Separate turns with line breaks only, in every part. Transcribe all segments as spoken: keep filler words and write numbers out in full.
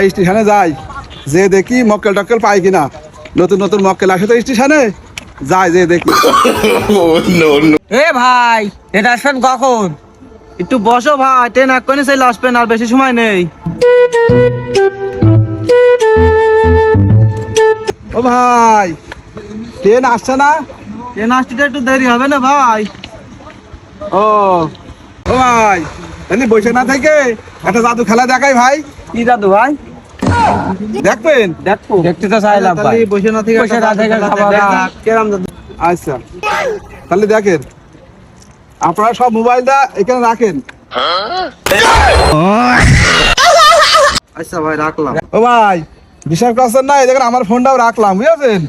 স্টেশনে যাই, যে দেখি মক্কেল টক্কেল পাই কিনা, নতুন নতুন মক্কেল আসে তো স্টেশনে, যাই যে দেখি।
এ ভাই এটা আসবেন কখন?
একটু বসো ভাই, ট্রেন এক্ষুনি চলে আসবেন, আর বেশি সময় নেই।
ও ভাই, ট্রেন আসছে না?
ট্রেন আসতে একটু দেরি হবে না ভাই।
ও ও ভাই, এমনি বসে না থেকে একটা জাদু খেলা দেখাই ভাই।
কি জাদু ভাই?
দেখবেন?
দেখো
দেখতে তো চাইলাম ভাই।
তাহলে বসে না থেকে
বসে না থেকে খাবার
দেখ, কেরাম জাদু।
আচ্ছা, তাহলে দেখেন, আপনারা সব মোবাইলটা এখানে রাখেন।
আচ্ছা ভাই, রাখলাম।
ও ভাই, বিশ্বাস করছেন না, এই দেখেন আমার ফোনটাও রাখলাম, বুঝেছেন?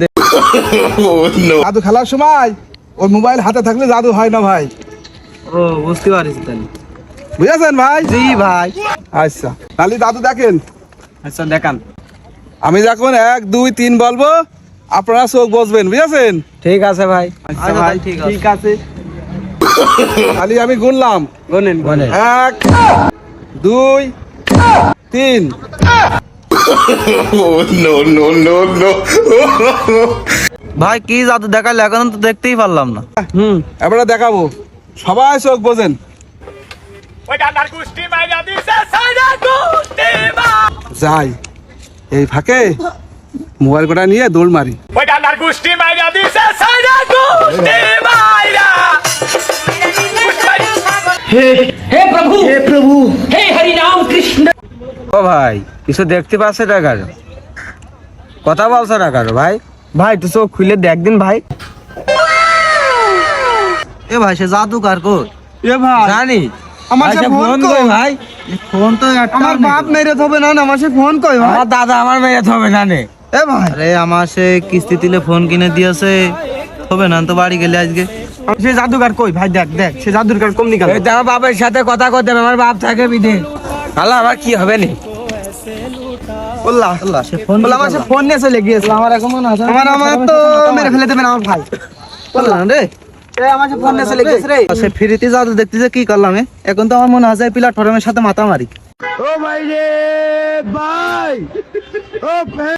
জাদু খেলার সময় ওই মোবাইল হাতে থাকলে জাদু হয় না ভাই,
ও বুঝতে পারছি তাহলে।
বুঝেছেন ভাই?
জি ভাই।
আচ্ছা, তাহলে জাদু দেখেন।
আচ্ছা দেখান।
আমি যখন এক দুই তিন বলবো, আপনারা চোখ বসবেন, বুঝেছেন?
ঠিক আছে ভাই।
আচ্ছা ভাই, ঠিক আছে।
ঠিক আছে, তাহলে আমি গুনলাম।
Gonen
Gonen.
এক দুই তিন।
ভাই কি জাদু দেখালে, এখন তো দেখতেই পারলাম না।
হুম
এবারে দেখাবো, সবাই চোখ বোঝেন। যাই এই ফাঁকে মোবাইল কটা নিয়ে দৌড় মারি।
हे प्रभु हे प्रभु हे हरि राम कृष्ण।
ও ভাই কিছু দেখতে পাচ্ছে না কারো, কথা বলছে না কারো ভাই।
ভাই একটু চোখ খুলে দেখ দিন ভাই। এ ভাই সে জাদুকার কো?
এ ভাই,
জানি
আমার
ভাই,
সে
সে
ফোন
ফোন
কই?
কই ভাই?
ফোন তো একটা
আমার বাপ মেরে থবে না, আমার সে ফোন কই ভাই?
আমার দাদা আমার মেয়ে হবে না নে।
এ ভাই,
আরে আমার সে কিস্তি দিলে ফোন কিনে দিয়েছে, হবে না তো বাড়ি গেলে আজকে।
সে জাদুকার কই ভাই? দেখ দেখ, সে জাদুকার কম নিকাল।
এই তো আমার বাপের সাথে কথা করতে হবে, আমার বাপ থাকে বিদে। আল্লাহ আমার কি হবে নি?
বললা
আল্লাহ সে ফোন
বললা আমার সে ফোন নিয়ে চলে গিয়েছে।
আমার এখন মনে আছে
আমার আমার তো মেরে ফেলে দেবেন আমার ভাই।
বললাম রে,
এ আমার সে ফোন নিয়ে চলে গিয়েছে রে।
সে ফ্রিতে জাদু দেখতেছে, কি করলাম এ? এখন তো আমার মনে হয় প্ল্যাটফর্মের সাথে মাথা মারি।
ও ভাই রে ভাই, ও